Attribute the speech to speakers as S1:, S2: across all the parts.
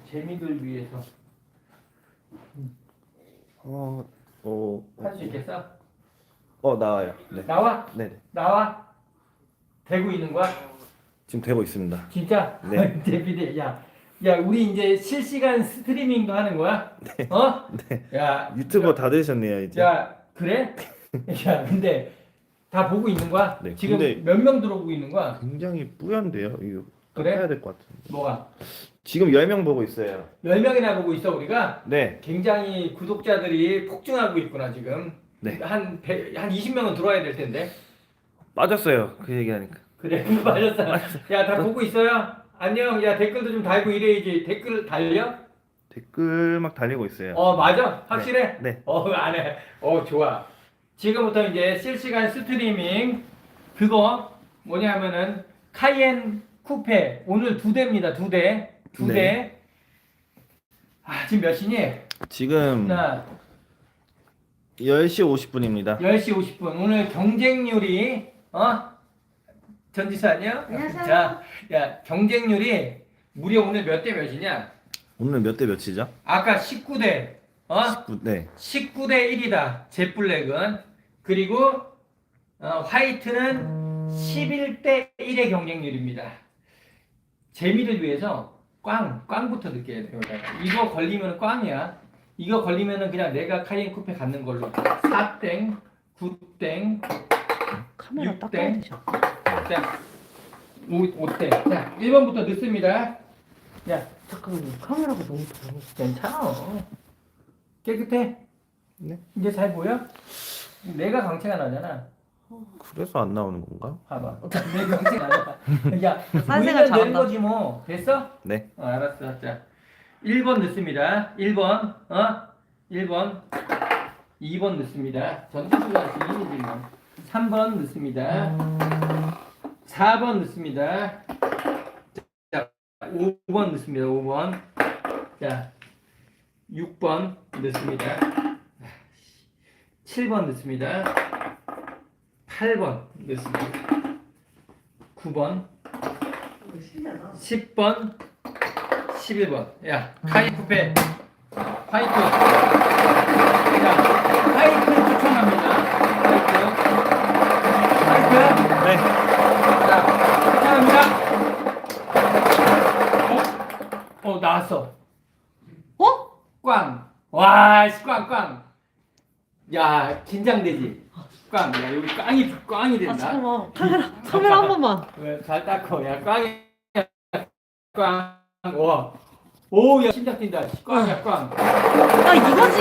S1: 재미를 위해서 할 수 있겠어?
S2: 나와요. 네.
S1: 나와?
S2: 네.
S1: 나와? 되고 있는 거야?
S2: 지금 되고 있습니다.
S1: 진짜?
S2: 네.
S1: 대비대. 야, 우리 이제 실시간 스트리밍도 하는 거야?
S2: 네.
S1: 어?
S2: 네.
S1: 야,
S2: 유튜버 다 되셨네요, 이제.
S1: 야, 그래? 야, 근데 다 보고 있는 거야?
S2: 네,
S1: 지금
S2: 근데-
S1: 몇 명 들어오고 있는 거야?
S2: 굉장히 뿌연데요. 이거
S1: 그래?
S2: 해야 될 것 같은데.
S1: 뭐가?
S2: 지금 10명 보고 있어요.
S1: 10명이나 보고 있어 우리가?
S2: 네.
S1: 굉장히 구독자들이 폭증하고 있구나 지금.
S2: 네.
S1: 한 20명은 들어와야 될 텐데.
S2: 빠졌어요. 그 얘기하니까.
S1: 그래, 맞았어. 야, 다 보고 있어요? 안녕. 야, 댓글도 좀 달고 이래야지. 댓글 달려?
S2: 댓글 막 달리고 있어요.
S1: 맞아? 확실해?
S2: 네.
S1: 안 해. 좋아. 지금부터 이제 실시간 스트리밍 그거 뭐냐면은 카이엔 쿠페 오늘 2대입니다. 2대. 2대.
S2: 네.
S1: 지금 몇 시니?
S2: 지금
S1: 나
S2: 10시 50분입니다.
S1: 10시 50분. 오늘 경쟁률이 전지사 안녕?
S3: 안녕하세요.
S1: 자, 야, 경쟁률이 무려 오늘 몇 대 몇이냐?
S2: 오늘 몇 대 몇이죠?
S1: 아까 19대.
S2: 19,
S1: 19대 1이다. 젯블랙은. 그리고 화이트는 11대 1의 경쟁률입니다. 재미를 위해서 꽝부터 느껴야 돼요. 이거 걸리면 꽝이야. 이거 걸리면은 그냥 내가 카이엔 쿠페 갖는 걸로. 4땡, 9땡,
S3: 카메라
S1: 6대.
S3: 닦아야 되죠.
S1: 자, 5대. 자, 1번부터 넣습니다. 야,
S3: 잠깐만요. 카메라가 너무 더러워.
S1: 괜찮아. 깨끗해?
S2: 네.
S1: 이제 잘 보여? 내가 광채가 나잖아.
S2: 그래서 안 나오는 건가?
S1: 봐봐. 내 광채가 나잖아. 야,
S3: 딴 생각
S1: 보이면 되는
S3: 잘한다.
S1: 거지 뭐. 됐어?
S2: 네.
S1: 알았어. 자, 1번 넣습니다. 1번. 1번. 2번 넣습니다. 전투수가 지인이지 뭐. 3번 넣습니다. 4번 넣습니다. 자, 5번 넣습니다. 5번. 자, 6번 넣습니다. 7번 넣습니다. 8번 넣습니다. 9번, 10번, 11번. 야, 카이쿠페 화이트. 야, 화이트 추천합니다. 화이트.
S2: 네.
S1: 자, 추천합니다. 나왔어. 꽝. 와, 꽝. 야, 긴장되지. 꽝. 야, 여기 꽝이 된다.
S3: 잠깐만. 카메라 한 번만.
S1: 왜? 잘 닦어. 야, 꽝이야. 꽝. 와. 오, 야, 심장 뛴다. 꽝이야, 꽝.
S3: 이거지.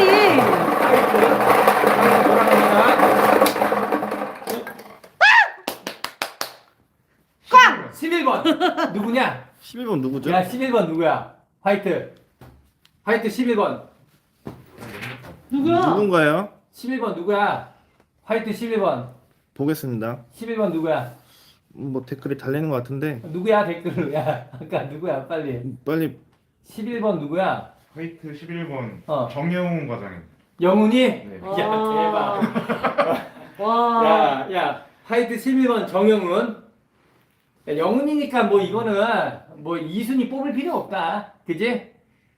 S1: 꽝! 11번. 누구냐?
S2: 11번 누구죠?
S1: 야, 11번 누구야? 화이트 11번.
S3: 누구야?
S2: 누군가요?
S1: 11번 누구야? 화이트 11번.
S2: 보겠습니다.
S1: 11번 누구야?
S2: 뭐 댓글이 달리는 것 같은데
S1: 누구야 댓글로. 야, 아까 누구야? 빨리.
S2: 빨리
S1: 11번 누구야?
S4: 화이트 11번
S1: 어.
S4: 정영훈 과장님.
S1: 영훈이?
S4: 네.
S1: 야, 대박.
S3: 와.
S1: 야, 화이트 11번 정영훈. 야, 영훈이니까 뭐 이거는 뭐 2순위 뽑을 필요 없다. 그지?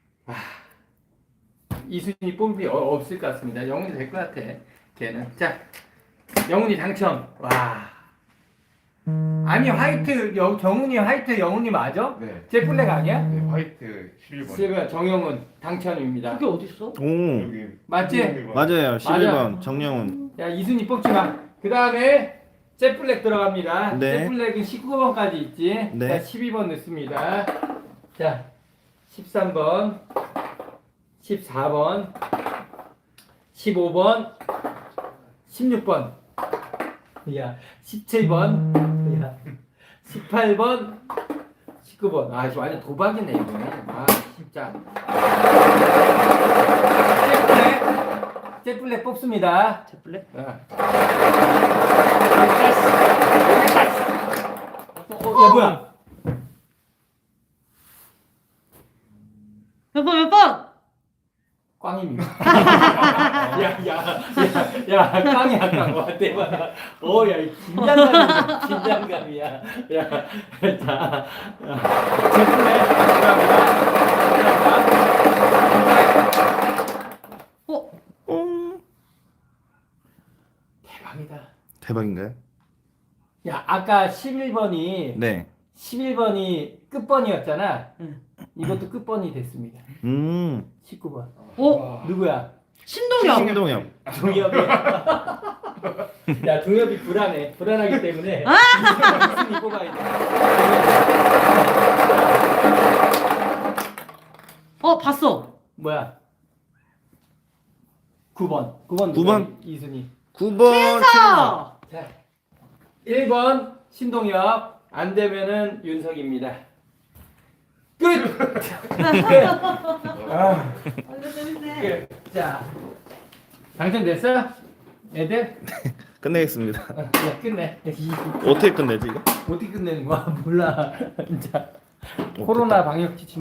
S1: 이순위 뽑을 필요 없을 것 같습니다. 영훈이 될 것 같아. 걔는. 자, 영훈이 당첨. 와. 아니 화이트 정훈이 화이트 영훈이 맞아?
S4: 네.
S1: 제 블랙 아니야?
S4: 네, 화이트 11번.
S1: 정영훈 당첨입니다.
S3: 그게 어딨어?
S2: 오
S4: 여기
S1: 맞지?
S2: 맞아요. 11번 정영훈.
S1: 야, 이순위 뽑지 마. 그 다음에 잭블랙 들어갑니다.
S2: 네.
S1: 잭블랙은 19번까지 있지.
S2: 네.
S1: 자, 12번 넣습니다. 자, 13번, 14번, 15번, 16번, 야, 17번, 야, 18번, 19번. 아, 이거 완전 도박이네, 이거. 아, 진짜. 잭블랙 뽑습니다.
S3: 제플레?
S1: 야, 뭐야?
S3: 몇 번, 몇 번?
S1: 꽝입니다. 야, 꽝이야, 꽝. 와, 대박. 야, 이 긴장감이야. 야, 자, 제품에 들어갑니다. 대박이다.
S2: 대박인가요?
S1: 야, 아까 11번이
S2: 네.
S1: 11번이 끝번이었잖아.
S3: 응.
S1: 이것도 끝번이 됐습니다. 19번.
S3: 오,
S1: 누구야?
S3: 신동엽.
S2: 신동엽.
S1: 동엽이. 야, 동엽이 불안해. 불안하기 때문에 이승이 뽑아야 돼.
S3: 봤어.
S1: 뭐야? 9번. 9번.
S2: 9번?
S1: 이순이.
S2: 9번.
S3: 자.
S1: 자, 1번 신동엽. 안 되면은 윤석입니다. 끝. 아,
S3: 완전 재밌네.
S1: 끝. 자, 당첨됐어? 애들?
S2: 끝내겠습니다.
S1: 야, 끝내.
S2: 어떻게 끝내지 이거?
S1: 어떻게 끝내는 거야? 몰라. 진짜. 코로나 방역 지침.